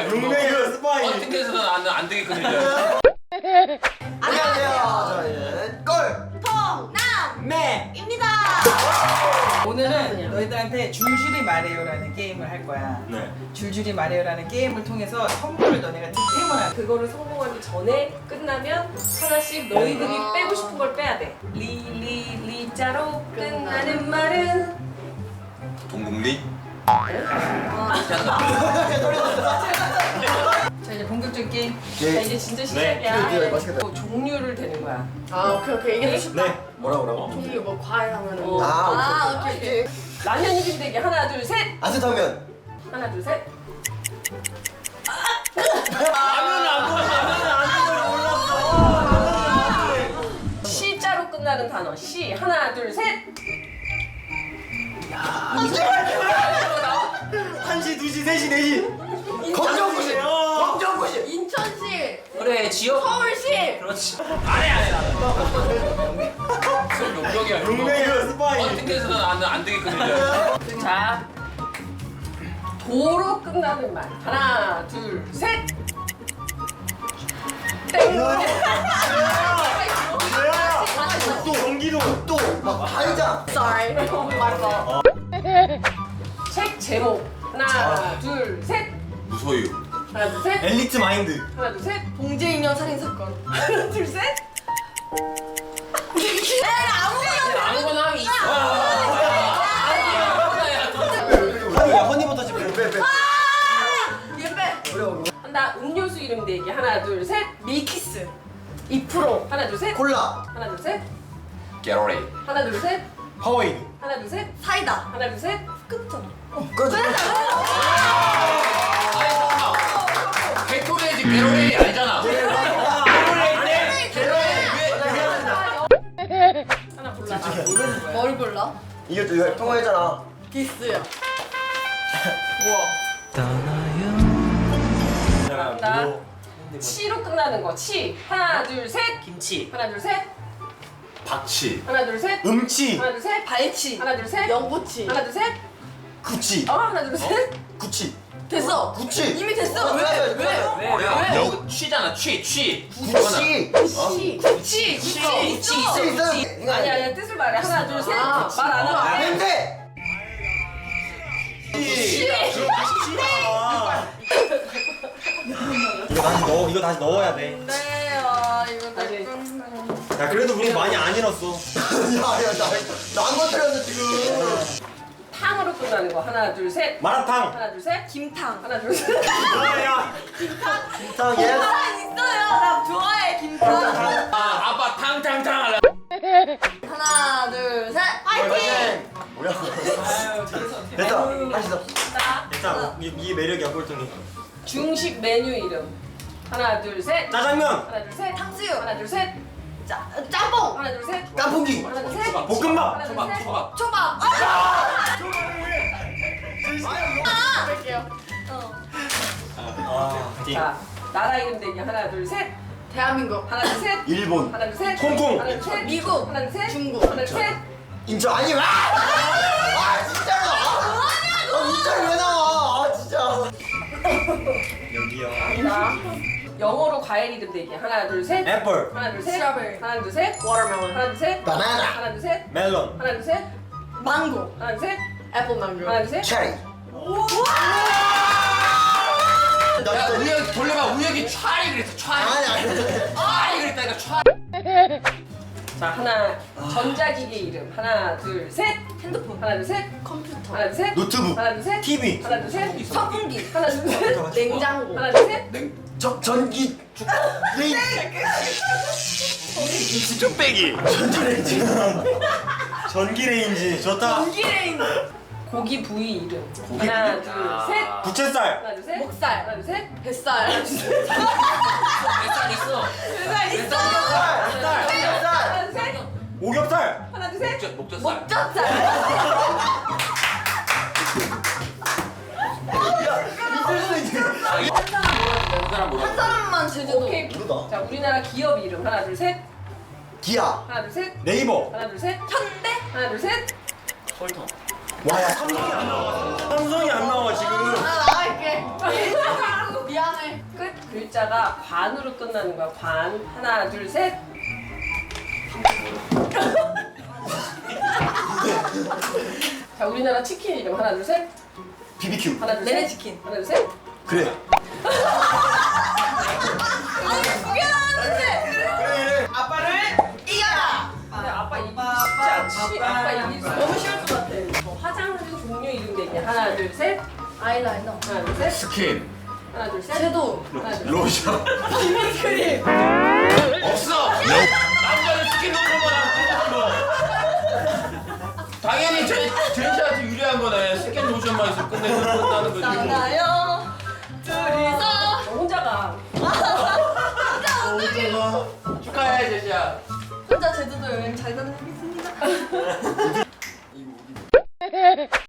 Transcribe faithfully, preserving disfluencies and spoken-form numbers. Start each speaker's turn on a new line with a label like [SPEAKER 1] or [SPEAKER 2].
[SPEAKER 1] 용병이야.
[SPEAKER 2] 용병이야 스파이.
[SPEAKER 1] 어떻게 해서는 안, 안 되겠거든요.
[SPEAKER 2] 안녕하세요. 저희는 꼴통남매입니다.
[SPEAKER 3] 오늘은 너희들한테 줄줄이 말해요라는 게임을 할 거야.
[SPEAKER 2] 네.
[SPEAKER 3] 줄줄이 말해요라는 게임을 통해서 선물을 너네가 득템을 하는.
[SPEAKER 4] 그거를 성공하기 전에 끝나면 하나씩 너희들이 빼고 싶은 걸 빼야 돼. 리, 리, 리자로 끝나는 말은
[SPEAKER 1] 동국리?
[SPEAKER 3] 자 이제 본격적인 게임.
[SPEAKER 4] 자, 이제 진짜 시작이야.
[SPEAKER 2] 네, 네, 맛있겠다.
[SPEAKER 4] 또 종류를 되는 거야.
[SPEAKER 5] 아 오케이 오케이 이게 더 쉽다.
[SPEAKER 2] 네. 뭐라 뭐라고?
[SPEAKER 5] 종류 뭐 과일 하면은
[SPEAKER 4] 어.
[SPEAKER 5] 뭐.
[SPEAKER 2] 아,
[SPEAKER 5] 아
[SPEAKER 2] 오케이,
[SPEAKER 5] 오케이 오케이.
[SPEAKER 4] 라면 이름 되기 하나 둘 셋.
[SPEAKER 2] 아스타면.
[SPEAKER 4] 하나 둘 셋.
[SPEAKER 1] 라면을 안 먹어. 라면을 안 먹어.
[SPEAKER 4] 시자로 끝나는 단어. 시 하나 둘 셋.
[SPEAKER 2] 한시, 두시, 세시, 네시. 검정고시. 검정고시.
[SPEAKER 5] 인천시,
[SPEAKER 1] 그래 지역.
[SPEAKER 5] 서울시.
[SPEAKER 1] 그렇지. 안해 안해 나는. 무슨 용병이야.
[SPEAKER 2] 용병이야 스파이.
[SPEAKER 1] 어떻게 해서는 안, 안 되겠거든요.
[SPEAKER 4] 자 도로 끝나는 말. 하나 둘 셋. 땡.
[SPEAKER 2] 또 경기도 또막 다이장.
[SPEAKER 5] Sorry. 맞아.
[SPEAKER 4] 책 제목. 하나 둘 셋.
[SPEAKER 1] 무소유.
[SPEAKER 4] 하나 둘 셋.
[SPEAKER 2] 엘리트 마인드.
[SPEAKER 4] 하나 둘 셋.
[SPEAKER 5] 봉제인형 살인 사건.
[SPEAKER 4] 하나 둘 셋.
[SPEAKER 1] 아무거나 하면 있어.
[SPEAKER 2] 허니야 허니부터 좀 빼. 빼.
[SPEAKER 5] 얘 빼.
[SPEAKER 2] 어려워.
[SPEAKER 4] 한다. 음료수 이름 대기. 하나 둘 셋.
[SPEAKER 5] 밀키스. 이 프로.
[SPEAKER 4] 하나 둘 셋.
[SPEAKER 2] 콜라.
[SPEAKER 4] 하나 둘 셋.
[SPEAKER 1] 게러레이.
[SPEAKER 4] 하나 둘 셋.
[SPEAKER 2] 하와이.
[SPEAKER 4] 하나 둘 셋.
[SPEAKER 5] 사이다.
[SPEAKER 4] 하나 둘 셋.
[SPEAKER 5] 끝잖아.
[SPEAKER 2] 그렇지.
[SPEAKER 1] 아니 잠깐만. 게토레이지 게러레이 아니잖아.
[SPEAKER 4] 하나 골라. 나 모르는 거야.
[SPEAKER 5] 뭘 골라?
[SPEAKER 2] 이것도 이거 통화했잖아.
[SPEAKER 5] 기스야.
[SPEAKER 4] 한다. 치로 끝나는 거. 치. 하나 둘 셋.
[SPEAKER 2] 김치.
[SPEAKER 4] 하나 둘 셋.
[SPEAKER 1] 박치.
[SPEAKER 4] 하나 둘 셋.
[SPEAKER 2] 음치.
[SPEAKER 4] 하나 둘 셋.
[SPEAKER 5] 발치.
[SPEAKER 4] 하나 둘 셋.
[SPEAKER 5] 연고치.
[SPEAKER 4] 하나 둘 셋.
[SPEAKER 2] 구치.
[SPEAKER 4] 어 하나 둘 셋.
[SPEAKER 2] 구치.
[SPEAKER 5] 됐어.
[SPEAKER 2] 구치.
[SPEAKER 5] 이미 됐어. 왜?
[SPEAKER 2] 왜?
[SPEAKER 5] 왜?
[SPEAKER 1] 왜? 왜? 이거 취잖아 취 취.
[SPEAKER 2] 구치.
[SPEAKER 5] 구치. 구치.
[SPEAKER 1] 구치
[SPEAKER 5] 있어.
[SPEAKER 1] 있어.
[SPEAKER 2] 구치 있어.
[SPEAKER 4] 아니 아니 뜻을 말해. 하나 둘 셋.
[SPEAKER 5] 아,
[SPEAKER 4] 말 안 하고.
[SPEAKER 5] 아,
[SPEAKER 2] 냄새. 이거 다시 넣어. 이거 다시 넣어야 돼.
[SPEAKER 5] 네, 아 이거
[SPEAKER 4] 다시.
[SPEAKER 2] 야 그래도 우리 많이 안 잃었어. 야야 나나안 건드렸어 지금.
[SPEAKER 4] 탕으로 끝나는 거. 하나 둘 셋.
[SPEAKER 2] 마라탕.
[SPEAKER 4] 하나 둘 셋.
[SPEAKER 5] 김탕.
[SPEAKER 4] 하나 둘 셋.
[SPEAKER 2] 야야. 김탕 예스.
[SPEAKER 5] 아 있어요. 나 좋아해 김탕.
[SPEAKER 1] 아 아빠 탕탕탕 할래.
[SPEAKER 5] 하나 둘 셋. 파이팅.
[SPEAKER 2] 뭐야?
[SPEAKER 1] 아유
[SPEAKER 2] 됐다. 다시 더.
[SPEAKER 4] 자,
[SPEAKER 2] 됐다. 이, 이 매력이야 꼴등이.
[SPEAKER 4] 중식 메뉴 이름. 하나 둘 셋.
[SPEAKER 2] 짜장면.
[SPEAKER 4] 하나 둘 셋.
[SPEAKER 5] 탕수육.
[SPEAKER 4] 하나 둘 셋.
[SPEAKER 5] 짜 짬뽕.
[SPEAKER 4] 하나 둘 셋.
[SPEAKER 2] 깐풍기.
[SPEAKER 4] 하나 둘 셋.
[SPEAKER 2] 볶음밥.
[SPEAKER 4] 하나 둘
[SPEAKER 1] 초밥
[SPEAKER 4] 셋.
[SPEAKER 1] 초밥.
[SPEAKER 5] 초밥. 아! 할게요. 어.
[SPEAKER 2] 아.
[SPEAKER 4] 자, 나라 이름 대기. 하나 둘 셋.
[SPEAKER 5] 대한민국.
[SPEAKER 4] 하나 둘 셋.
[SPEAKER 2] 일본.
[SPEAKER 4] 하나 둘 셋.
[SPEAKER 2] 홍콩.
[SPEAKER 4] 하나 둘 셋.
[SPEAKER 5] 미국.
[SPEAKER 4] 하나 둘 셋.
[SPEAKER 5] 중국.
[SPEAKER 4] 하나 둘 셋.
[SPEAKER 2] 인천 아니 왜? 아 진짜로. 아 인천 왜 나와? 아 진짜. 여기요.
[SPEAKER 4] 자, 영어로 과일 이름 대기. 하나 둘 셋.
[SPEAKER 2] 애플.
[SPEAKER 4] 하나 둘 셋.
[SPEAKER 5] 스트로베리.
[SPEAKER 4] 하나 둘 셋.
[SPEAKER 5] 워터멜론.
[SPEAKER 4] 하나 둘 셋.
[SPEAKER 2] 바나나.
[SPEAKER 4] 하나 둘 셋.
[SPEAKER 2] 멜론.
[SPEAKER 4] 하나 둘 셋.
[SPEAKER 5] 망고.
[SPEAKER 4] 하나 둘 셋.
[SPEAKER 5] 애플 망고.
[SPEAKER 4] 하나 둘 셋.
[SPEAKER 2] 체리. 나
[SPEAKER 1] 야
[SPEAKER 2] 진짜
[SPEAKER 1] 우혁 돌려봐. 우혁이 촤리 그랬어 촤리.
[SPEAKER 2] 아니 아니.
[SPEAKER 1] 촤리 그랬다니까 촤리.
[SPEAKER 4] 자, 하나 전자기기 이름. 하나 둘 셋.
[SPEAKER 5] 핸드폰.
[SPEAKER 4] 하나 둘 셋.
[SPEAKER 5] 컴퓨터.
[SPEAKER 4] 하나 둘 셋.
[SPEAKER 2] 노트북.
[SPEAKER 4] 하나 둘 셋.
[SPEAKER 2] 티비.
[SPEAKER 4] 하나 둘 셋.
[SPEAKER 5] 선풍기.
[SPEAKER 4] 하나 둘 셋.
[SPEAKER 5] 냉장고.
[SPEAKER 4] 하나 둘 셋.
[SPEAKER 1] 냉.
[SPEAKER 2] 저 전기. 레인.
[SPEAKER 1] 뚝배기.
[SPEAKER 2] 전기 레인지 좋다.
[SPEAKER 5] 전기레인지.
[SPEAKER 4] 고기 부위 이름.
[SPEAKER 1] 고기
[SPEAKER 4] 하나
[SPEAKER 1] 부위?
[SPEAKER 4] 둘
[SPEAKER 1] 아.
[SPEAKER 4] 셋.
[SPEAKER 2] 부채살.
[SPEAKER 4] 하나 둘 셋.
[SPEAKER 5] 목살.
[SPEAKER 4] 하나 둘 셋.
[SPEAKER 5] 뱃살.
[SPEAKER 1] 뱃살 있어.
[SPEAKER 5] 뱃살 있어.
[SPEAKER 4] 하나
[SPEAKER 2] 쌀.
[SPEAKER 4] 둘 셋.
[SPEAKER 2] 쌀.
[SPEAKER 4] 하나 둘 셋.
[SPEAKER 2] 오겹살.
[SPEAKER 4] 하나 둘 셋.
[SPEAKER 1] 목젖 목젖살.
[SPEAKER 5] 목젖살.
[SPEAKER 1] 한 사람 뭐라?
[SPEAKER 5] 한 사람만 제주도.
[SPEAKER 4] 오케이.
[SPEAKER 2] 모르다.
[SPEAKER 4] 자, 우리나라 기업 이름. 하나 둘 셋.
[SPEAKER 2] 기아.
[SPEAKER 4] 하나 둘 셋.
[SPEAKER 2] 네이버.
[SPEAKER 4] 하나 둘 셋.
[SPEAKER 5] 현대.
[SPEAKER 4] 하나 둘 셋.
[SPEAKER 1] 설탕.
[SPEAKER 2] 와야 삼성이 안 나와. 삼성이 안 나와 지금.
[SPEAKER 5] 나 나갈게. 미안.
[SPEAKER 4] 글자가 관으로 끝나는 거야. 관. 하나, 둘, 셋. 자, 우리나라 치킨 이름 하나, 둘, 셋.
[SPEAKER 2] 비비큐.
[SPEAKER 4] 하나, 둘, 셋.
[SPEAKER 5] 내내 치킨.
[SPEAKER 4] 하나, 둘, 셋.
[SPEAKER 2] 그래.
[SPEAKER 3] 아빠를 이겨라.
[SPEAKER 4] 근데 아빠 이기기
[SPEAKER 3] 아빠,
[SPEAKER 4] 쉽지 않지.
[SPEAKER 3] 아빠,
[SPEAKER 4] 아빠 이기기
[SPEAKER 3] 아빠.
[SPEAKER 4] 너무 쉬울 것 같아. 뭐 화장하는 종류 이름 되냐? 하나, 둘, 셋.
[SPEAKER 5] 아이라이너.
[SPEAKER 4] 하나, 둘, 셋.
[SPEAKER 1] 스킨.
[SPEAKER 4] 하나, 둘, 셋.
[SPEAKER 5] 섀도우.
[SPEAKER 4] 하나, 둘, 셋.
[SPEAKER 2] 로션.
[SPEAKER 4] 비비크림.
[SPEAKER 1] 없어. 남자는 스킨 놓는 거랑 끝나는 거. 당연히 제 제시한테 유리한 거네. 스킨 로션만 있으면 끝내서 끝나는 거지.
[SPEAKER 5] 나나요. 둘이서.
[SPEAKER 4] 너 혼자가.
[SPEAKER 1] 축하해 제시야.
[SPEAKER 5] 혼자 제주도 여행 잘 다녀오겠습니다.